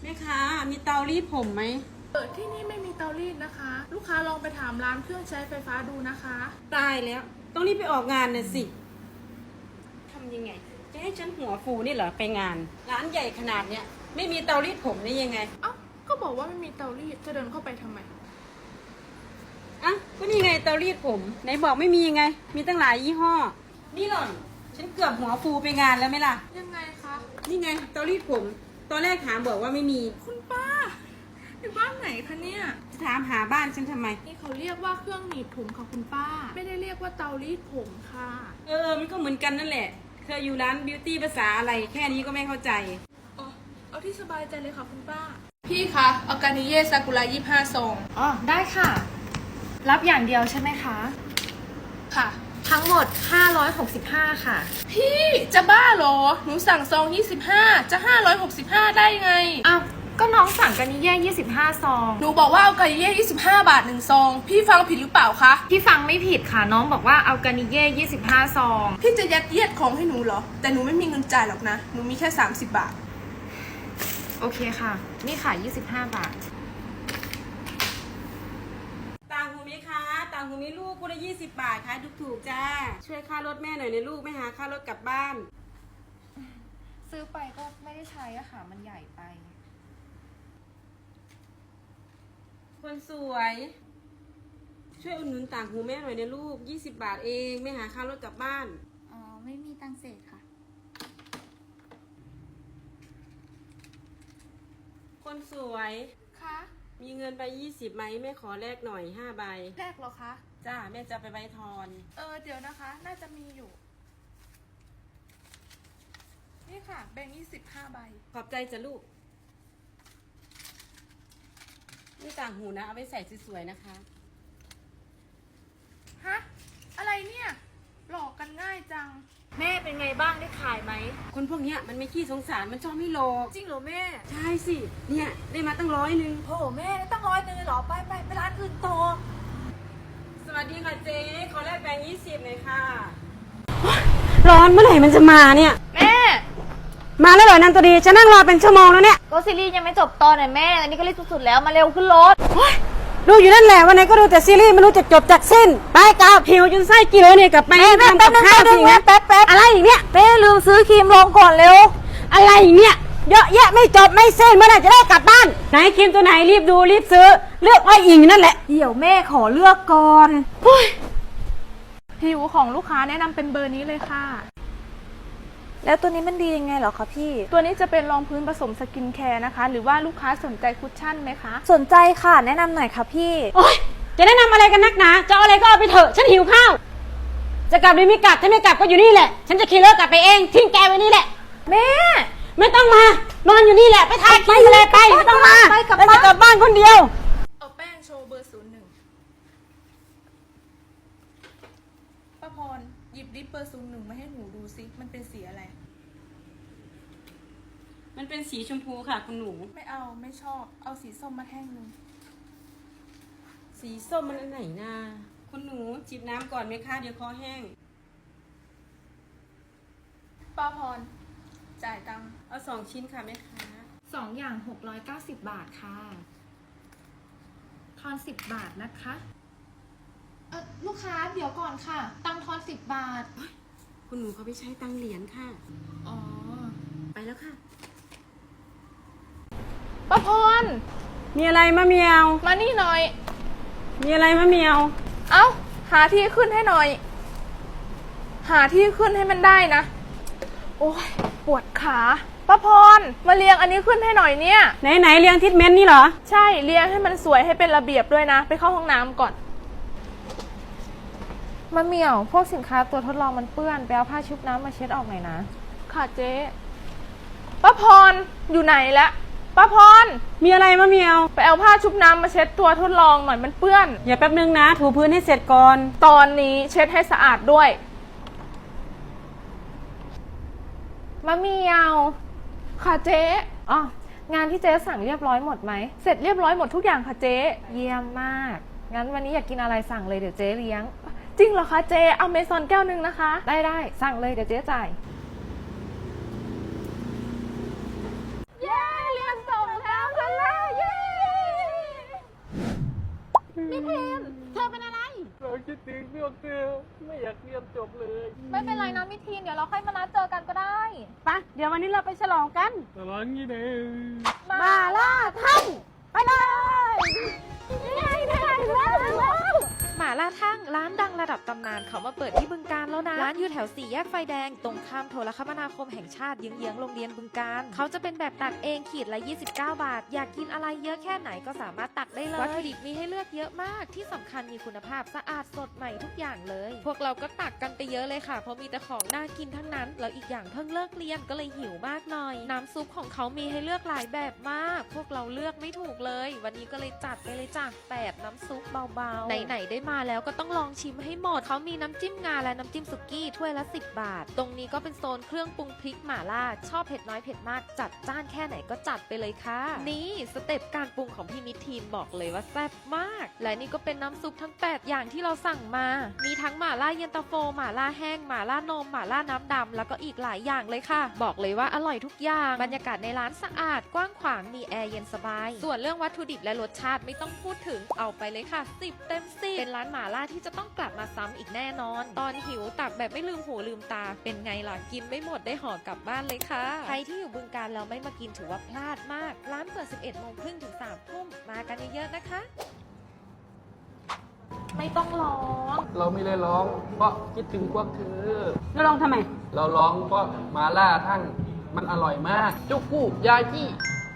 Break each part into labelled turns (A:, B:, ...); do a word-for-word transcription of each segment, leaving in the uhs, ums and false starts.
A: แม่ค้ามีเตารีดผมไหม
B: เออที่นี่ไม่มีเตารีดนะคะลูกค้าลองไปถามร้านเครื่องใช้ไฟฟ้าดูนะคะ
A: ตายแล้วต้องรีบไปออกงานน่ะสิทำยังไงจะให้ฉันหัวฟูนี่เหรอไปงาน ร้านใหญ่ขนาดเนี้ยไม่มีเตารีดผมได้ยังไง
B: เอ้าก็บอกว่าไม่มีเตารีดจะเดินเข้าไปทำไม
A: อ่ะก็นี่ไงเตารีดผมไหนบอกไม่มียังไง มีตั้งหลายยี่ห้อ นี่หล่อนฉันเกือบหัวฟูไปงานแล้วไหมล่ะ
B: ยังไงคะ
A: นี่ไงเตารีดผม ตอนแรกถามบอกว่าไม่มี
B: คุณป้าอยู่บ้านไหนคะเนี่ย
A: จะถามหาบ้านฉันทำไม
B: นี่เขาเรียกว่าเครื่องหนีบผมค่ะคุณป้า ไม่ได้เรียกว่าเตารีดผมค่ะ
A: เออมันก็เหมือนกันนั่นแหละเธออยู่ร้านบิวตี้ภาษาอะไรแค่นี้ก็ไม่เข้าใจ
B: อ๋อเอาที่สบายใจเลยค่ะคุณป้าพี่คะออร์แกนิเย่ซากุระยี่ห้าซอง
C: อ๋อได้ค่ะ รับอย่างเดียวใช่ไหมคะ
B: ค่ะ
C: ทั้งหมดห้าร้อยหกสิบห้าค่ะ
B: พี่จะบ้าเหรอหนูสั่งซองยี่สิบห้าจะห้าร้อยหกสิบห้าได้ไง
C: อ้าว ก็น้องสั่งกันนี่แย่ยี่สิบห้าซอง
B: หนูบอกว่าเอาไก่เย่ยี่สิบห้าบาทหนึ่งซอง พี่ฟังผิดหรือเปล่าคะ
C: พี่ฟังไม่ผิดค่ะ น้องบอกว่าเอากานิเย่ยี่สิบห้าซอง
B: พี่จะยัดเยียดของให้หนูเหรอ แต่หนูไม่มีเงินจ่ายหรอกนะ หนูมีแค่สามสิบบาท
C: โอเคค่ะ นี่ค่ะยี่สิบห้าบาท
A: ต่างหูไหมคะต่างหูมีลูกคู่ละยี่สิบบาทขายถูกๆจ้า ช่วยค่ารถแม่หน่อยนะลูกไม่หาค่ารถกลับบ้าน
C: ซื้อไปก็ไม่ได้ใช้อะค่ะ มันใหญ่ไป
A: คนสวย ช่วยอุดหนุนต่างหูแม่หน่อยนะลูกยี่สิบบาทเองไม่หาค่ารถกลับบ้าน
D: อ๋อ ไม่มีตังค์เศษค่ะ
A: คนสวย
B: คะ
A: มีเงินไปยี่สิบไหมแม่ขอแลกหน่อยห้าใบ
B: แรกเหรอคะ
A: จ้าแม่จะเอาไปไว้ทอน
B: เออ เดี๋ยวนะคะ น่าจะมีอยู่ นี่ค่ะ แบ่งยี่สิบห้าใบ
A: ขอบใจจ้ะลูกนี่ต่างหูนะเอาไปใส่สวยๆนะคะ
B: ฮะ อะไรเนี่ย หลอกกันง่ายจัง
C: แม่เป็นไงบ้างได้ขายไหม
A: คนพวกเนี้ยมันไม่ขี้สงสารมันชอบไม่โลก
C: จริงเหรอแม่
A: ใช่สิเนี่ยได้มาตั้งร้อยหนึ่ง
C: โหแม่ตั้งร้อยนึงเลยเหรอ ไปไปไปร้านอื่นต่อ
A: สวัสดีค่ะเจ๊ขอแลกแบงค์ยี่สิบหน่อยค่ะร้อนเมื่อไหร่มันจะมาเนี่ย
C: แม่
A: มาแล้วเหรอนันตัวดีจะนั่งรอเป็นชั่วโมงแล้วเนี่ย
D: ก็ซีรีส์ยังไม่จบตอนไหนแม่ อันนี้ก็รีบสุดๆแล้วมาเร็วขึ้นรถ
A: ดูอยู่นั่นแหละวันไหนก็ดูแต่ซีรีส์ไม่รู้จะจบจากสิ้นไปกลับหิวจนไส้กินเลยเนี่ยกลับไปทำกับข้าวสิงั้นแป๊บแป๊บอะไรอีกเนี่ย
D: แม่ลืมซื้อครีมลงก่อนเร็ว
A: อะไรอีกเนี่ยเยอะแยะไม่จบไม่สิ้นเมื่อไหร่จะได้กลับบ้านไหนครีมตัวไหนรีบดูรีบซื้อเลือกอ้อยอิงนั่นแหละ
D: เดี๋ยวแม่ขอเลือกก่อน
B: ผิวของลูกค้าแนะนำเป็นเบอร์นี้เลยค่ะ
D: แล้วตัวนี้มันดียังไงเหรอคะพี่
B: ตัวนี้จะเป็นรองพื้นผสมสกินแคร์นะคะ หรือว่าลูกค้าสนใจคุชชั่นไหมคะ
D: สนใจค่ะ แนะนำหน่อยค่ะพี่
A: โอ๊ยจะแนะนำอะไรกันนักหนาจะเอาอะไรก็เอาไปเถอะฉันหิวข้าวจะกลับหรือไม่กลับถ้าไม่กลับก็อยู่นี่แหละฉันจะขี่รถกลับไปเองทิ้งแกไว้นี่แหละ
D: แม่
A: ไม่ต้องมานอนอยู่นี่แหละไปทานกินเลยไปไม่ต้องมา
D: ไปกลับ
A: แล้ว
D: บ้าน
A: จะกลับบ้านคนเดียว
B: เอาแป้งโชว์เบอร์ศูนย์หนึ่งป้าพรหยิบดิปเบอร์ศูนย์หนึ่งมาให้หนูดูซิมันเป็นสีอะไร
A: มันเป็นสีชมพูค่ะคุณหนู
B: ไม่เอาไม่ชอบ เอาสีส้มมาแท่งหนึ่ง
A: สีส้มมันอันไหนนะคุณหนูจิบน้ำก่อนไหมคะเดี๋ยวคอแห้ง
B: ป้าพรจ่ายตังค์
A: เอาสองชิ้นค่ะแม่ค้า
C: สองอย่างหกร้อยเก้าสิบบาทค่ะ ทอนสิบบาทนะคะเออลูกค้าเดี๋ยวก่อนค่ะ ตังค์ทอนสิบบาท
A: คุณหนูเขาไปใช้ตังเหรียญค่ะ
C: อ๋อ
A: ไปแล้วค่ะ
B: ป้าพร
A: มีอะไรมะเมียว
B: มานี่หน่อย
A: มีอะไรมะเมียว
B: เอ้าหาที่ขึ้นให้หน่อย หาที่ขึ้นให้มันได้นะ โอ้ยปวดขาป้าพรมาเรียงอันนี้ขึ้นให้หน่อยเนี่ย
A: ไหนไหนเรียงทิศเม้นนี่เหรอ
B: ใช่เรียงให้มันสวยให้เป็นระเบียบด้วยนะ ไปเข้าห้องน้ำก่อน
C: มะเหมี่ยว พวกสินค้าตัวทดลองมันเปื้อน ไปเอาผ้าชุบน้ำมาเช็ดออกหน่อยนะ
B: ค่ะเจ๊ป้าพรอยู่ไหนละป้าพร
A: มีอะไรมะเมียว
B: ไปเอาผ้าชุบน้ำมาเช็ดตัวทดลองหน่อยมันเปื้อน
A: อย่าแป๊บนึงนะ ถูพื้นให้เสร็จก่อน
B: ตอนนี้เช็ดให้สะอาดด้วย
C: มะเหมี่ยว
B: ค่ะเจ๊
C: อ๋อ งานที่เจ๊สั่งเรียบร้อยหมดไหม
B: เสร็จเรียบร้อยหมดทุกอย่างค่ะเจ๊
C: เยี่ยมมาก งั้นวันนี้อยากกินอะไรสั่งเลยเดี๋ยวเจ๊เลี้ยง
B: จริงเหรอคะเจ๊เอาเมซอนแก้วหนึ่งนะคะ
C: ได้ได้สั่งเลยเดี๋ยวเจ๊จ่าย
B: เย้เรียนส่งแล้ว
E: คิดถึงพวกเธอไม่อยากเรียนจบเลย
C: ไม่เป็นไรนะมิทีนเดี๋ยวเราค่อยมานัดเจอกันก็ได้
A: ไปะเดี๋ยววันนี้เราไปฉลองกัน
E: ตลอดงี้เด้อ
A: มาล่าท่านไปเลย
F: หม่าล่าทั่งร้านดังระดับตำนานเขามาเปิดที่บึงกาฬแล้วนะร้านอยู่แถวสี่แยกไฟแดงตรงข้ามโทรคมนาคมแห่งชาติเยื้องๆโรงเรียนบึงกาฬเขาจะเป็นแบบตักเองขีดละยี่สิบเก้าบาทอยากกินอะไรเยอะแค่ไหนก็สามารถตักได้เลยวัตถุดิบมีให้เลือกเยอะมากที่สำคัญมีคุณภาพสะอาดสดใหม่ทุกอย่างเลย พวกเราก็ตักกันไปเยอะเลยค่ะเพราะมีแต่ของน่ากินทั้งนั้นแล้วอีกอย่างเพิ่งเลิกเรียนก็เลยหิวมากหน่อยน้ำซุปของเขามีให้เลือกหลายแบบมาก พวกเราเลือกไม่ถูกเลย วันนี้ก็เลยจัดไปเลยจ้ะแปดน้ำซุปเบาๆไหนๆได้มาแล้วก็ต้องลองชิมให้หมดเขามีน้ำจิ้มงาและน้ำจิ้มสุกี้ถ้วยละสิบบาทตรงนี้ก็เป็นโซนเครื่องปรุงพริกหม่าล่าชอบเผ็ดน้อยเผ็ดมากจัดจ้านแค่ไหนก็จัดไปเลยค่ะนี่สเต็ปการปรุงของพี่มิทีนบอกเลยว่าแซ่บมากและนี่ก็เป็นน้ำซุปทั้งแปดอย่างที่เราสั่งมามีทั้งหม่าล่าเย็นตาโฟหม่าล่าแห้งหม่าล่านมหม่าล่าน้ำดำแล้วก็อีกหลายอย่างเลยค่ะบอกเลยว่าอร่อยทุกอย่างบรรยากาศในร้านสะอาดกว้างขวางมีแอร์เย็นสบายส่วนเรื่องวัตถุดิบและรสชาติไม่ต้องพูดถึงเอาไปเลยค่ะสิบเต็มสิบเป็นร้านหม่าล่าที่จะต้องกลับมาซ้ำอีกแน่นอนตอนหิวตักแบบไม่ลืมหูลืมตาเป็นไงล่ะกินไม่หมดได้ห่อกลับบ้านเลยค่ะใครที่อยู่บึงกาฬแล้วไม่มากินถือว่าพลาดมากร้านเปิดสิบเอ็ดโมงครึ่งถึงสามทุ่มมากันเยอะๆนะคะไม่ต้องร้อง
E: เราไม่ได้ร้อง เพราะคิดถึงพวกเธอ
A: เราลองทำไม
E: เราร้องเพราะมาล่าทั้งมันอร่อยมากจุกกู้ยาจี้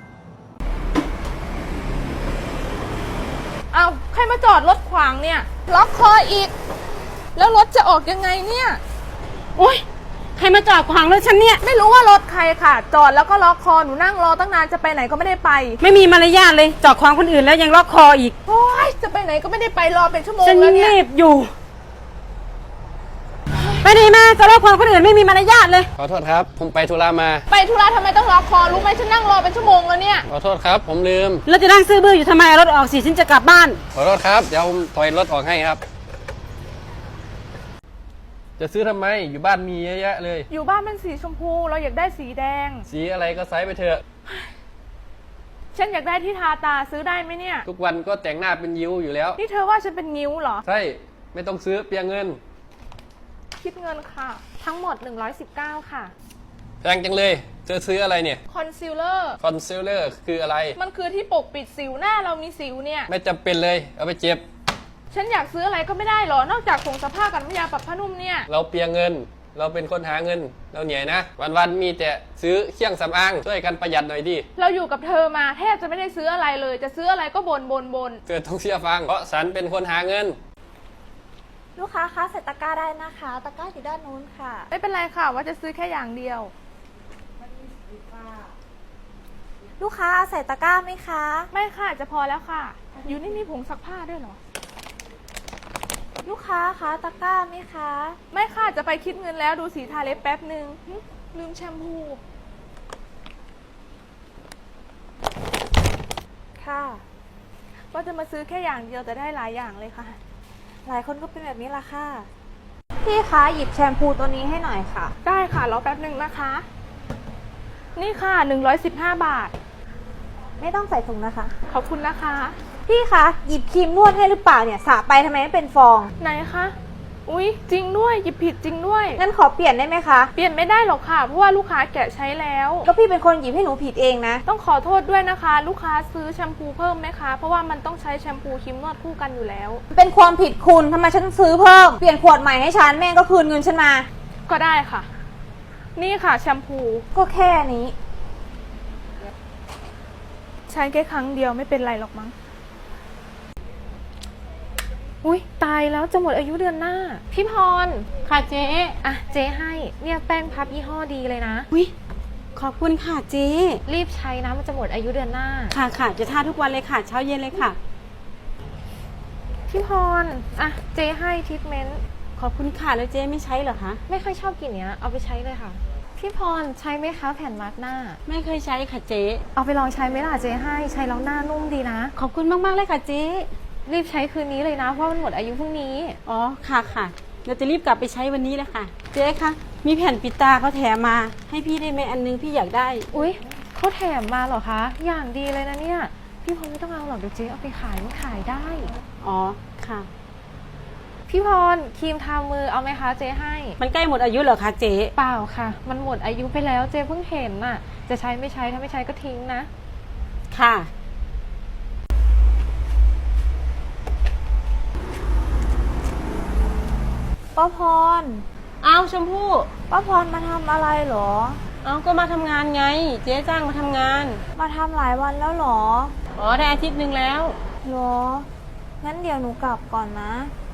B: เอาใครมาจอดรถขวางเนี่ยล็อกคออีก แล้วรถจะออกยังไงเนี่ย
A: โอ๊ยใครมาจอดขวางรถฉันเนี่ย
B: ไม่รู้ว่ารถใครค่ะ จอดแล้วก็ล็อกคอหนูนั่งรอตั้งนานจะไปไหนก็ไม่ได้ไป
A: ไม่มีมารยาทเลยจอดขวางคนอื่นแล้วยังล็อกคออีก
B: โอ๊ยจะไปไหนก็ไม่ได้ไปรอเป็นชั่วโมง
A: ฉัน
B: แล้วเนี่ย
A: รีบอยู่ไปดีมาจะล็อกขวางคนอื่นไม่มีมารยาทเลย
E: ขอโทษครับ ผมไปธุระมา
B: ไปธุระทำไมต้องล็อกคอรู้ไหมฉันนั่งรอเป็นชั่วโมงแล้วเนี่ย
E: ขอโทษครับ ผมลืม
A: แล้วจะนั่งซื้อบื้ออยู่ทำไมเอารถออกสิฉันจะกลับบ้าน
E: ขอโทษครับ เดี๋ยวผมถอยรถออกให้ครับ จะซื้อทำไม อยู่บ้านมีเยอะแยะเลย
B: อยู่บ้านเป็นสีชมพูเราอยากได้สีแดง
E: สีอะไรก็ไซส์ไปเถอะ
B: ฉันอยากได้ที่ทาตาซื้อได้ไหมเนี่ย
E: ทุกวันก็แต่งหน้าเป็นยิ้วอยู่แล้ว
B: นี่เธอว่าฉันเป็นงิ้วเหรอ
E: ใช่ ไม่ต้องซื้อเปลียงเงิน
B: คิดเงินค่ะ ทั้งหมดหนึ่งร้อยสิบเก้าค่ะ
E: แพงจังเลย เธอซื้ออะไรเนี่ย
B: คอนซีลเลอร์
E: คอนซีลเลอร์คืออะไร
B: มันคือที่ปกปิดสิวหน้าเรามีสิวเนี่ย
E: ไม่จำเป็นเลย เอาไปเจ็บ
B: ฉันอยากซื้ออะไรก็ไม่ได้หรอ นอกจากผงซักผ้ากับน้ำยาปรับผ้านุ่มเนี่ย
E: เราเปลียงเงิน เราเป็นคนหาเงิน เราเหนื่อยนะ วันๆมีแต่ซื้อเครื่องสำอางช่วยกันประหยัดหน่อยดิ
B: เราอยู่กับเธอมาแทบจะไม่ได้ซื้ออะไรเลย จะซื้ออะไรก็บนบนบน
E: เธอต้องเชื่อฟัง เพราะฉันเป็นคนหาเงิน
D: ลูกค้าคะใส่ตะกร้าได้นะคะ ตะกร้าอยู่ด้านนู้นค่ะ
B: ไม่เป็นไรค่ะว่าจะซื้อแค่อย่างเดียว
D: ลูกค้าใส่ตะกร้าไหมคะ
B: ไม่ค่ะจะพอแล้วค่ะ อยู่นี่มีผงซักผ้าด้วยเหรอ
D: ลูกค้าคะตะกร้าไหมคะ
B: ไม่ค่ะจะไปคิดเงินแล้วดูสีทาเล็บแป๊บหนึ่งหึลืมแชมพู
D: ค่ะ
B: ว่าจะมาซื้อแค่อย่างเดียวแต่ได้หลายอย่างเลยค่ะ
D: หลายคนก็เป็นแบบนี้ละค่ะ พี่คะ หยิบแชมพูตัวนี้ให้หน่อยค่ะ
B: ได้ค่ะรอแป๊บหนึ่งนะคะ นี่ค่ะหนึ่งร้อยสิบห้าบาท
D: ไม่ต้องใส่ถุงนะคะ
B: ขอบคุณนะคะ
D: พี่คะ หยิบครีมนวดให้หรือเปล่าเนี่ยสระไปทำไมไม่เป็นฟอง
B: ไหนคะ อุ๊ย จริงด้วย หยิบผิดจริงด้วย
D: งั้นขอเปลี่ยนได้ไหมคะ
B: เปลี่ยนไม่ได้หรอกค่ะ เพราะว่าลูกค้าแกะใช้แล้ว
D: ก็พี่เป็นคนหยิบให้หนูผิดเองนะ
B: ต้องขอโทษด้วยนะคะ ลูกค้าซื้อแชมพูเพิ่มไหมคะ เพราะว่ามันต้องใช้แชมพูครีมนวดคู่กันอยู่แล้ว
D: เป็นความผิดคุณทำไมฉันต้องซื้อเพิ่ม เปลี่ยนขวดใหม่ให้ฉันแม่งก็คืนเงินฉันมา
B: ก็ได้ค่ะ นี่ค่ะแชมพู
D: ก็แค่นี้
B: ใช้แค่ครั้งเดียวไม่เป็นไรหรอกมั้ง อุ๊ย ตายแล้วจะหมดอายุเดือนหน้า พี่พร
A: ค่ะเจ๊
B: อ่ะเจ๊ให้ เนี่ยแป้งพับยี่ห้อดีเลยนะ
A: วิขอบคุณค่ะเจ๊
B: รีบใช้นะมันจะหมดอายุเดือนหน้า
A: ค่ะค่ะจะทาทุกวันเลยค่ะเช้าเย็นเลยค่ะ
B: พี่พร อ่ะเจ๊ให้ทรีทเมนต์
A: ขอบคุณค่ะแล้วเจ๊ไม่ใช้เหรอคะ
B: ไม่ค่อยชอบกลิ่นเนี้ย เอาไปใช้เลยค่ะ พี่พรใช้ไหมคะแผ่นมาร์กหน้า
A: ไม่เคยใช้ค่ะเจ๊
B: เอาไปลองใช้ไหมล่ะเจ๊ให้ ใช้แล้วหน้านุ่มดีนะ
A: ขอบคุณมากๆเลยค่ะเจ๊
B: รีบใช้คืนนี้เลยนะ เพราะมันหมดอายุพรุ่งนี้
A: อ๋อค่ะค่ะเราจะรีบกลับไปใช้วันนี้เลยค่ะ เจ๊คะมีแผ่นปิดตาเขาแถมมา ให้พี่ได้ไหมอันนึงพี่อยากได้
B: อุ๊ยเขาแถมมาเหรอคะ อย่างดีเลยนะเนี่ย พี่พรไม่ต้องเอาหรอกเดี๋ยวเจ๊เอาไปขายมันขายได้
A: อ๋อค่ะ
B: พี่พรครีมทามือเอาไหมคะเจ๊ให้
A: มันใกล้หมดอายุเหรอคะเจ๊
B: เปล่าค่ะ มันหมดอายุไปแล้วเจ๊เพิ่งเห็นน่ะ จะใช้ไม่ใช้ถ้าไม่ใช้ก็ทิ้งนะ
A: ค่ะ
D: ป้าพร
A: เอาชมพู่
D: ป้าพรมาทำอะไรเหรอ
A: เอาก็มาทำงานไง เจ๊จ้างมาทำงาน
D: มาทำหลายวันแล้วเหรอ
A: อ๋อได้อาทิตย์หนึ่งแล้ว
D: เหรอ งั้นเดี๋ยวหนูกลับก่อนนะ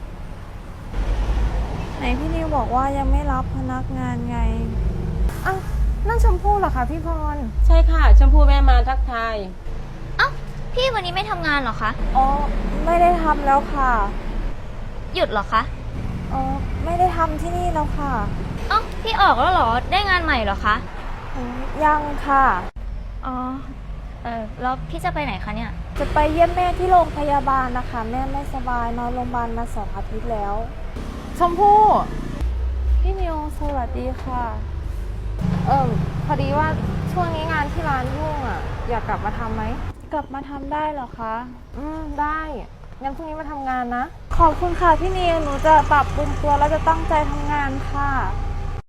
D: ไหนพี่นิวบอกว่ายังไม่รับพนักงานไง
B: อ้าวนั่นชมพู่เหรอคะพี่พร
A: ใช่ค่ะ ชมพู่แม่มาทักทาย
G: เอ้าพี่วันนี้ไม่ทำงานเหรอคะ
D: อ๋อ ไม่ได้ทำแล้วค่ะ
G: หยุดเหรอคะ
D: อ๋อ ไม่ได้ทำที่นี่แล้วค่ะ
G: เอ้าพี่ออกแล้วเหรอ ได้งานใหม่เหรอคะ
D: อืมยังค่ะ
G: อ๋อ เออแล้วพี่จะไปไหนคะเนี่ย
D: จะไปเยี่ยมแม่ที่โรงพยาบาลนะคะ แม่ไม่สบายนอนโรงพยาบาลมาสองอาทิตย์แล้ว
B: ชมพู่
D: พี่นิวสวัสดีค่ะ
B: เออพอดีว่าช่วงนี้งานที่ร้านยุ่งอ่ะ อยากกลับมาทำไหม
D: กลับมาทำได้เหรอคะ
B: อืมได้งั้นพรุ่งนี้มาทำงานนะ
D: ขอบคุณค่ะพี่นิว หนูจะปรับปรุงตัวแล้วจะตั้งใจทำงานค่ะ